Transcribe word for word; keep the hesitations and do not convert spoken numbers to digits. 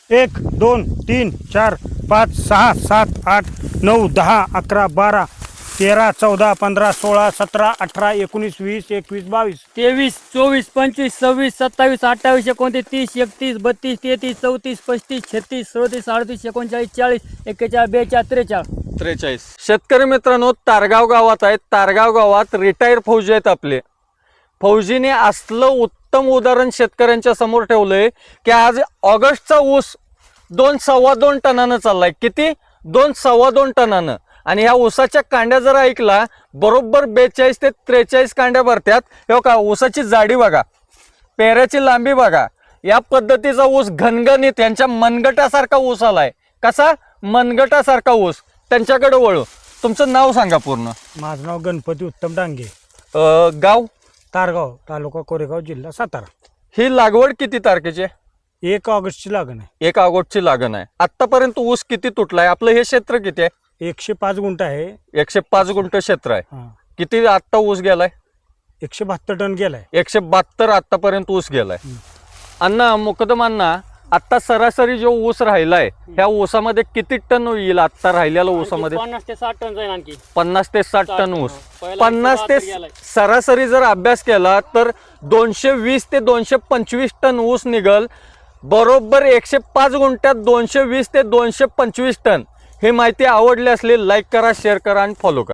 एक दोन तीन चार पाच सहा सात आठ नऊ दहा अकरा बारा तेरा चौदा पंधरा सोळा सतरा अठरा एकोणीस वीस एकवीस बावीस तेवीस चोवीस पंचवीस सव्वीस सत्तावीस अठ्ठावीस एकोणतीस तीस एकतीस बत्तीस तेहतीस चौतीस पस्तीस छत्तीस सदतीस अडतीस एकोणचाळीस चाळीस एक्केचाळीस बेचाळीस त्रेचाळीस त्रेचाळीस. शेतकरी मित्रांनो, तारगाव गावात आहेत. तारगाव गावात रिटायर फौजी आहेत आपले. फौजीने असलं उत्तम उदाहरण शेतकऱ्यांच्या समोर ठेवलंय की आज ऑगस्टचा ऊस दोन सव्वा दोन टनानं चाललाय. किती? दोन सव्वा दोन टनानं. आणि ह्या ऊसाच्या कांड्या जर ऐकला बरोबर बेचाळीस ते त्रेचाळीस कांड्या भरत्यात. हे का ऊसाची जाडी बघा, पेऱ्याची लांबी बघा. या पद्धतीचा ऊस घनघणीत यांच्या मनगटासारखा ऊस आलाय. कसा? मनगटासारखा ऊस. त्यांच्याकडे वळू. तुमचं नाव सांगा पूर्ण. माझं नाव गणपती उत्तम डांगे, अं, गाव? तारगाव, तालुका कोरेगाव, जिल्हा सातारा. ही लागवड किती तारखेची आहे? एक ऑगस्टची लागण आहे. एक ऑगस्टची लागण आहे. आतापर्यंत ऊस किती तुटलाय? आपलं हे क्षेत्र किती आहे? एकशे पाच गुंठ आहे. एकशे पाच गुंठ क्षेत्र आहे. हा. किती आत्ता ऊस गेलाय? एकशे बहात्तर टन गेलाय. एकशे बहात्तर आतापर्यंत ऊस गेलाय. अण्णा, मुकदम अण्णा, आता सरासरी जो ऊस राहिलाय ह्या ऊसामध्ये किती टन येईल? आता राहिलेल्या ऊसामध्ये पन्नास ते साठ टन जाईल आणखी. पन्नास ते साठ टन ऊस. पहिला पन्नास ते एकशे बहात्तर गेलाय. सरासरी जर अभ्यास केला तर दोनशे वीस ते दोनशे पंचवीस टन ऊस निघल. बरोबर एकशे पाच गुंठ्यात दोनशे वीस ते दोनशे पंचवीस टन. ही माहिती आवडली असली लाईक करा, शेअर करा आणि फॉलो करा.